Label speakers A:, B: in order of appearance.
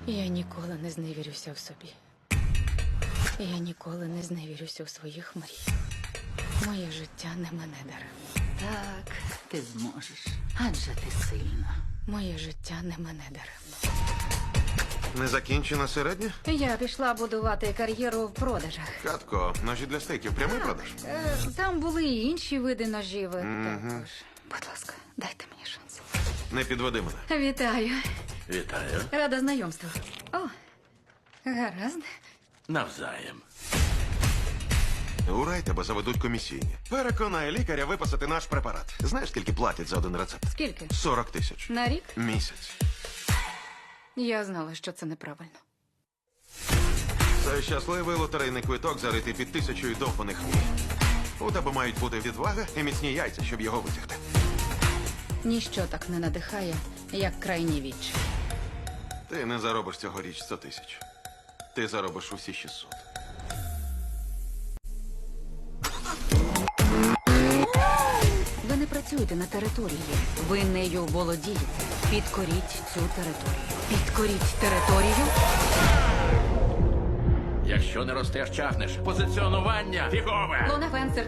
A: Я ніколи не зневірюся в собі. Я ніколи не зневірюся у своїх мріях. Моє життя не мене даремно.
B: Так, ти зможеш. Адже ти сильна.
A: Моє життя не мене даремно.
C: Незакінчена середня?
A: Я пішла будувати кар'єру в продажах.
C: Катко, ножі для стейків, прямий продаж.
A: Там були і інші види ножів. Також. Будь ласка, дайте мені шанс.
C: Не підведи мене.
A: Вітаю.
D: Вітаю.
A: Рада знайомству. О, гаразд.
D: Навзаєм.
C: У рай тебе заведуть комісійні. Переконай лікаря виписати наш препарат. Знаєш, скільки платять за один рецепт?
A: Скільки?
C: 40 тисяч.
A: На рік?
C: Місяць.
A: Я знала, що це неправильно.
C: Це щасливий лотерейний квиток, заритий під 1000 довбаних мій. У тебе мають бути відвага і міцні яйця, щоб його витягти.
A: Ніщо так не надихає, як крайні віч.
C: Ти не заробиш цьогоріч 100 тисяч. Ти заробиш усі 600.
A: Ви не працюєте на території. Ви нею володієте. Підкоріть цю територію. Підкоріть територію.
D: Якщо не ростеш, чахнеш. Позиціонування фігове.
A: Лона Фенсер.